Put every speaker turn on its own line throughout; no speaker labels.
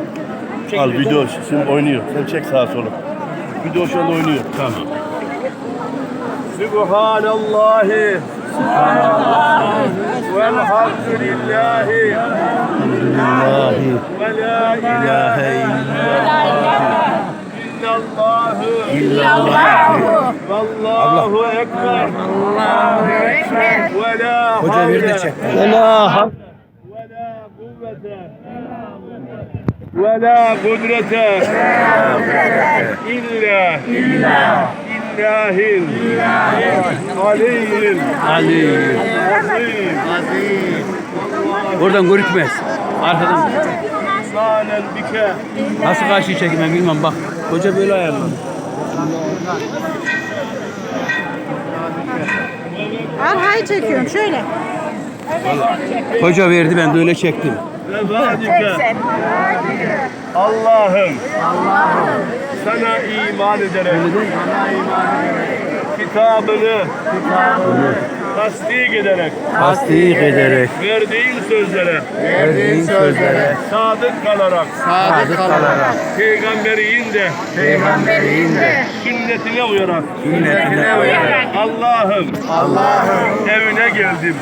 Al video şimdi oynuyor. Sen çek sağa sola. Video şu anda oynuyor.
Tamam.
Subhanallahi. Velhamdülillahi. Ve la ilahe illallahu. Vallahu ekber. Ve la havle. Ve la havle. Ve la kudrete illa illahil aliyyil azim.
Oradan görükmez. Arkadan.
Sanen bike.
Nasıl karşıyı çekeyim ben bilmem bak. Hoca böyle ayarladı.
Arkayı çekiyorum şöyle.
Hoca verdi ben de öyle çektim.
Vefadike. Allah'ım sana iman ederek kitabını tasdik ederek verdiğin sözlere sadık kalarak peygamberin de sünnetine uyarak Allah'ım evine geldim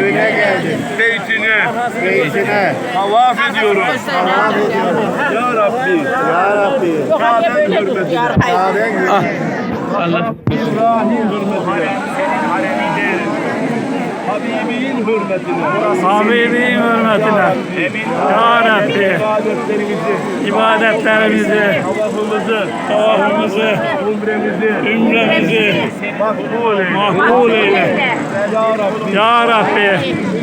beytine tavaf ediyorum ya Rabbi Kabe'nin hürmetine
Allah.
İbrahim hürmetine Habibinin hürmetine
Ya Rabbi ibadetlerimizi, tavafımızı, ümremizi makbul eyle. Ya Rabbi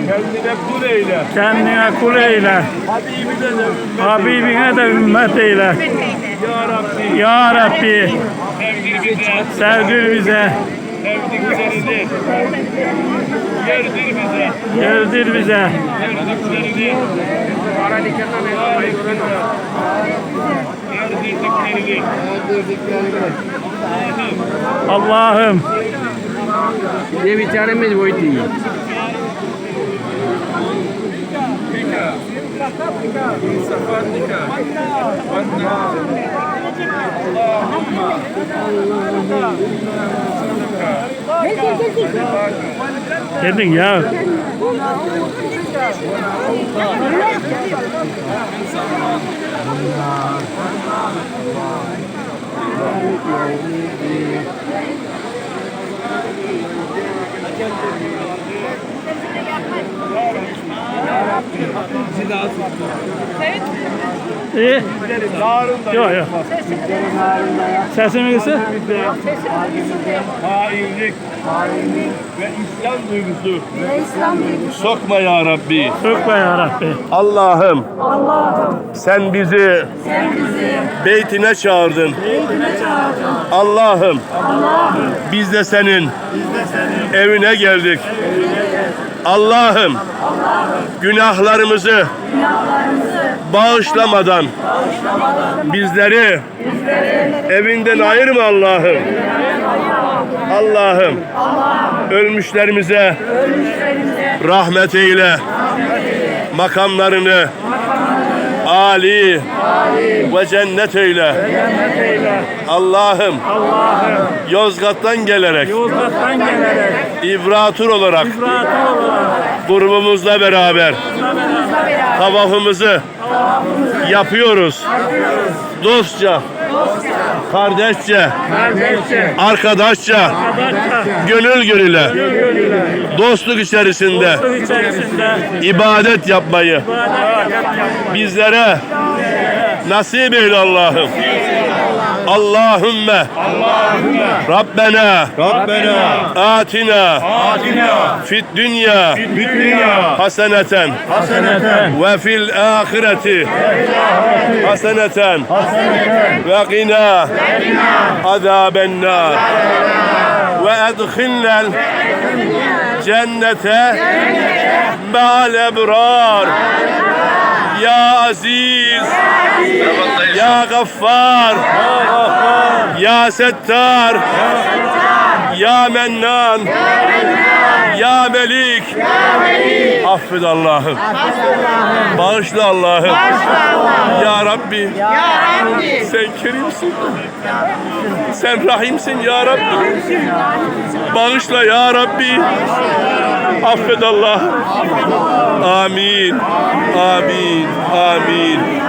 kendine kul eyle. Habibine de ümmet eyle. Ya Rabbi sevdir bize. Yerdir bize. Allah'ım. Ne bir tanemiz buydu. Geldin ya. İyi. Yok yok. Sesimi kısı.
Hainlik ve İslam duygusu sokma ya Rabbi.
Sokma ya Rabbi.
Allah'ım sen bizi beytine çağırdın. Allah'ım biz de senin evine geldik. Allah'ım günahlarımızı bağışlamadan bizleri evinden ayırma Allah'ım. Allah'ım ölmüşlerimize rahmet eyle. Makamlarını âli ve cennet eyle. Allah'ım Yozgat'tan gelerek İbratur olarak grubumuzla beraber tavafımızı yapıyoruz. Dostça, kardeşçe, arkadaşça, gönül gönüle, dostluk içerisinde ibadet yapmayı bizlere nasip eyle Allah'ım. Allahümme Rabbena atina fid dünya haseneten ve fil ahireti haseneten ve qina azaben nar ve edkhilnel cennete ma'al ebrar. Ya Aziz, Ya Gaffar, Ya Settar, Ya Mennan, Ya Melik. Affet Allah'ım. Bağışla Allah'ım. Ya Rabbi. Rabbi. Sen kerimsin. Sen rahimsin ya Rabbi. Bağışla ya Rabbi. Affet Allah. Amin. Amin. Amin.